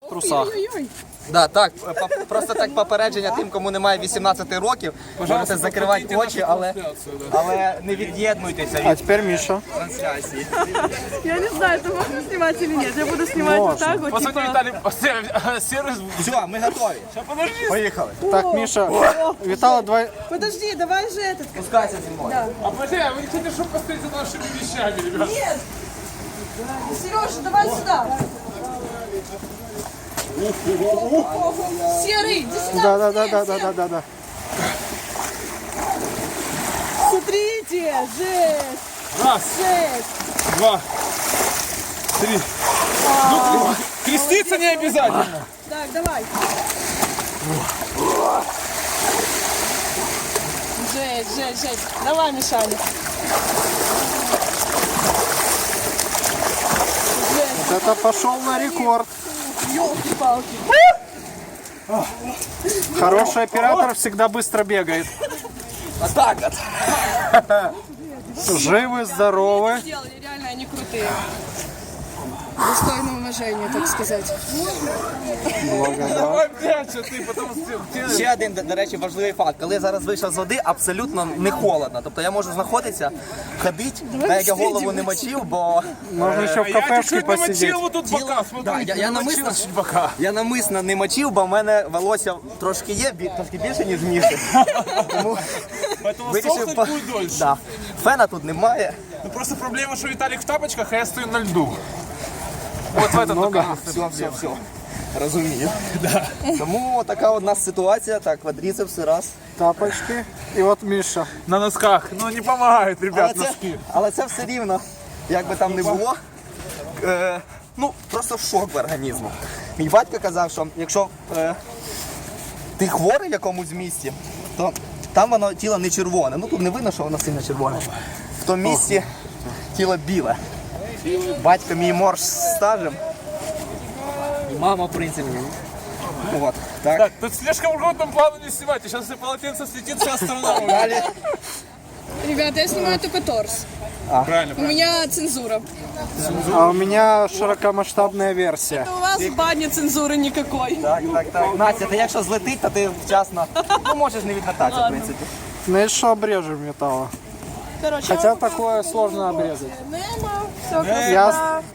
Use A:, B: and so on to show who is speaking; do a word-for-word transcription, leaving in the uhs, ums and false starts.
A: в трусах.
B: Да, так, по- просто так попередження тим, кому немає вісімнадцяти років. Можете закривати очі, але, але не від'єднуйтеся
A: А
B: від
A: теперь Миша.
B: трансляції.
C: Я не знаю, это можно снимать или нет. Я буду снимать вот так вот,
D: Посмотри,
C: типа...
D: Виталий, сервис.
B: Все, ми готові. Поїхали.
A: Так, Миша, Витала, давай.
C: Подожди, давай же этот...
B: Спускайся зі мною.
D: А подожди, а вы не хотите, чтобы посмотреть за нашими вещами, ребят?
C: Нет! Сережа, давай сюда! Серый, иди сюда!
A: Да, да, да, да, да, да, да, да.
C: Смотрите, жесть!
D: Раз,
C: Жесть!
D: два, три. Ну, креститься не обязательно.
C: Так, давай. Жесть, жесть, жесть. Давай, Мишаня. Жесть,
A: Вот это пошел на рекорд.
C: елки-палки.
A: Хороший оператор всегда быстро бегает.
B: А так от.
A: Живы, здоровы.
C: Сделали, реально они крутые. Достойное уважение, так сказать.
D: Давай прячься ты, потому что ты...
B: Ще один, до- до речі, важливий факт. Коли я зараз вийшов з води, абсолютно не холодно. Тобто я можу знаходитися, ходити, навіть я голову не мочив, бо
A: Можно еще в
D: Я
A: кафешке
D: чуть-чуть
A: посидеть.
D: намочил вот тут бока, смотри.
B: Да, я- я
D: намочил
B: намысленно-
D: чуть бока.
B: я намисно не мочив, бо в мене волосся трошки є, бі- трошки більше, ніж міші. Тому
D: Поэтому
B: вирішив...
D: сохнуть
B: по-
D: будет дольше.
B: Да. Фена тут немає.
D: Ну просто проблема, что Виталик в тапочках, а я стою на льду. Вот в этом
A: Ну
D: только
A: да.
B: Все, все, все. Розумію. Тому така у нас ситуація. Так, квадріцепси раз.
A: Тапочки. И вот Миша.
D: на носках. Ну не помогает,
B: Але
D: ребят,
B: це,
D: носки.
B: але це все рівно, як би там не було, е, ну, просто шок в організму. Мій батько казав, що якщо е, ти хворий в якомусь місці, то там воно тіло не червоне. Ну тут не видно, що воно сильно червоне. В тому місці тіло біле. Батько мій морж з стажем. І мама, в принципі. От, так.
D: Так, тут слишком крупным плану не снимайте. Сейчас если полотенце слетит, вся страна.
B: Далі.
C: Ребята, я снимаю только торс.
D: Правильно,
C: У меня цензура.
A: А у меня широкомасштабная версия.
C: У вас в бане цензуры никакой.
B: Так, так, так. Настя, ти якщо злетить, то ти вчасно, ну, можеш не відмотатися, в принципі.
A: Ну и что обрежем металла.
C: Короче,
A: Хотя такое сложно обрезать.
C: Немо, все
A: Я,
C: красота.